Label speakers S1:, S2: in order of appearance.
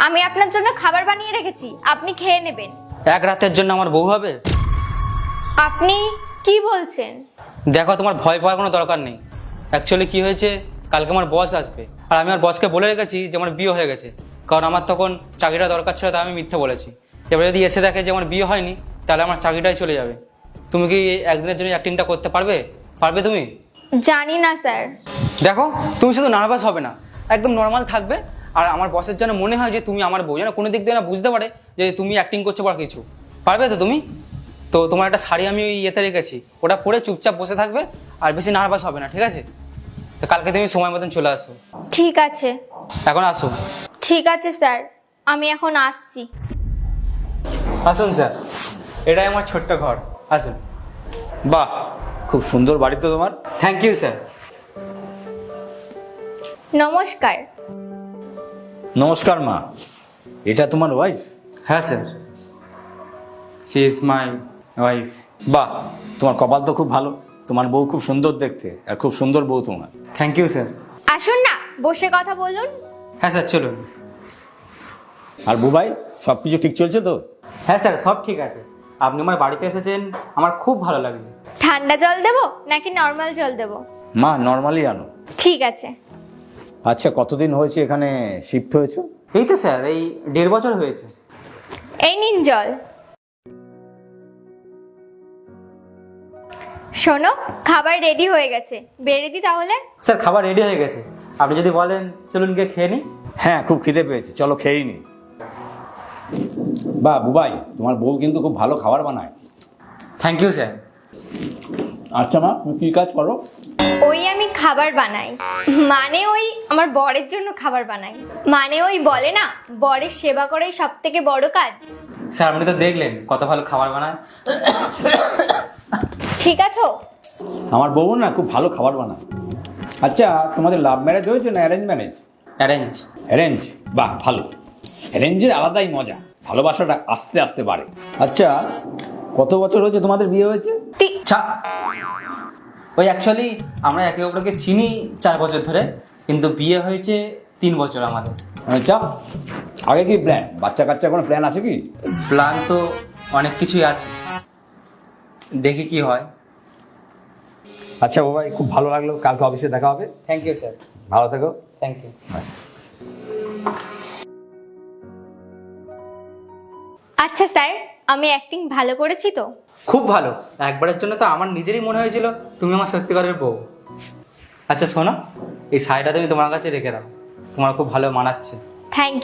S1: আমি আপনার জন্য খাবার বানিয়ে রেখেছি, আপনি খেয়ে নেবেন।
S2: এক রাতের জন্য আমার বউ হবে?
S1: আপনি কি বলছেন?
S2: দেখো, তোমার ভয় পাওয়ার কোনো দরকার নেই। অ্যাকচুয়ালি কি হয়েছে, কালকে আমার বস আসবে, আর আমি আমার বসকে বলে রেখেছি যে আমার বিয়ে হয়ে গেছে, কারণ আমার তখন চাকরিটা দরকার ছিল, তাই আমি মিথ্যে বলেছি। এবার যদি এসে দেখে যে আমার বিয়ে হয়নি, তাহলে আমার চাকরিটাই চলে যাবে। তুমি কি একদিনের জন্য অ্যাক্টিংটা করতে পারবে? পারবে তুমি?
S1: জানি না স্যার।
S2: দেখো, তুমি শুধু নার্ভাস হবে না, একদম নর্মাল থাকবে। আর আমার বসের যেন মনে হয় যে তুমি আমার বউ, যেন কোনো দিক দিয়ে না বুঝতে পারে যে তুমি অ্যাক্টিং করছো বা কিছু। পারবে তো তুমি? তো তোমার একটা শাড়ি আমি ওই ইয়েতে রেখেছি, ওটা পরে চুপচাপ বসে থাকবে, আর বেশি নার্ভাস হবে না, ঠিক আছে? তো কালকে তুমি সময় মতন চলে আসো।
S1: ঠিক আছে।
S2: এখন আসো।
S1: ঠিক আছে স্যার, আমি এখন আসছি।
S2: আসুন স্যার, এটাই আমার ছোট্ট ঘর, আসুন।
S3: বাহ, খুব সুন্দর বাড়ি তো তোমার।
S2: Thank you sir.
S1: নমস্কার।
S3: নমস্কার মা, এটা তোমার ওয়াইফ?
S2: হ্যাঁ sir, she is my wife.
S3: বাহ, তোমার কপাল তো খুব ভালো, তোমার বউ খুব সুন্দর দেখতে, আর খুব সুন্দর বউ তোমার।
S2: Thank you sir.
S1: আসুন না, বসে কথা বলুন।
S2: হ্যাঁ স্যার, চলুন।
S3: আর বুবাই, সব কিছু ঠিক চলছে তো?
S2: হ্যাঁ স্যার, সব ঠিক আছে। আপনি আমার বাড়িতে এসেছেন, আমার খুব ভালো লাগছে।
S1: ঠান্ডা জল দেবো নাকি নর্মাল জল দেবো?
S3: মা, নর্মালি আনো।
S1: ঠিক আছে।
S3: আচ্ছা, কতদিন হয়েছে এখানে শিফট হয়েছো?
S2: এই তো স্যার, এই 1.5 বছর হয়েছে।
S1: এই নিন জল। শোনো, খাবার রেডি হয়ে গেছে, বেড়ে দি তাহলে।
S2: স্যার, খাবার রেডি হয়ে গেছে, আপনি যদি বলেন চলুন গিয়ে খেয়ে নিই।
S3: হ্যাঁ, খুব খিদে পেয়েছে, চলো খেয়েই নি। বাহ বুবাই, তোমার বউ কিন্তু খুব ভালো খাবার বানায়।
S2: Thank you sir.
S3: আচ্ছা মা, তুমি কি কাজ করো?
S1: ওই আমি খাবার বানাই, মানে ওই আমার বরের জন্য খাবার বানাই। মানে ওই বলে না, বরের সেবা করাই সব থেকে বড় কাজ।
S2: স্যার, আপনি তো দেখলেন কত ভালো খাবার বানায়।
S1: ঠিক আছো?
S3: আমার বউ না খুব ভালো খাবার বানায়। আচ্ছা, তোমাদের লাভ ম্যারেজ হয়েছে না অ্যারেঞ্জ ম্যারেজ?
S2: অ্যারেঞ্জ।
S3: অ্যারেঞ্জ? বাহ, ভালো। অ্যারেঞ্জের আলাদাই মজা, ভালোবাসাটা আস্তে আস্তে বাড়ে। আচ্ছা, কত বছর হয়েছে তোমাদের বিয়ে হয়েছে?
S2: ওই অ্যাকচুয়ালি আমরা একে অপরকে চিনি 4 বছর ধরে, কিন্তু বিয়ে হয়েছে 3 বছর আমাদের।
S3: আচ্ছা, আগে কি প্ল্যান, বাচ্চা কাচ্চা কোনো প্ল্যান আছে কি?
S2: প্ল্যান তো অনেক কিছুই আছে, দেখি কি হয়।
S3: আচ্ছা বাবাই, খুব ভালো লাগলো, কালকে অফিসে দেখা হবে।
S2: Thank you sir.
S3: ভালো থেকো।
S2: Thank you.
S1: আচ্ছা স্যার, আমি অ্যাক্টিং ভালো করেছি তো?
S2: খুব ভালো। একবারের জন্য তো আমার নিজেরই মনে হয়েছিল তুমি আমার সত্যিকারের বউ। আচ্ছা শোনো, এই শাড়িটা তুমি তোমার কাছে রেখে দাও, তোমার খুব ভালো মানাচ্ছে।
S1: থ্যাংক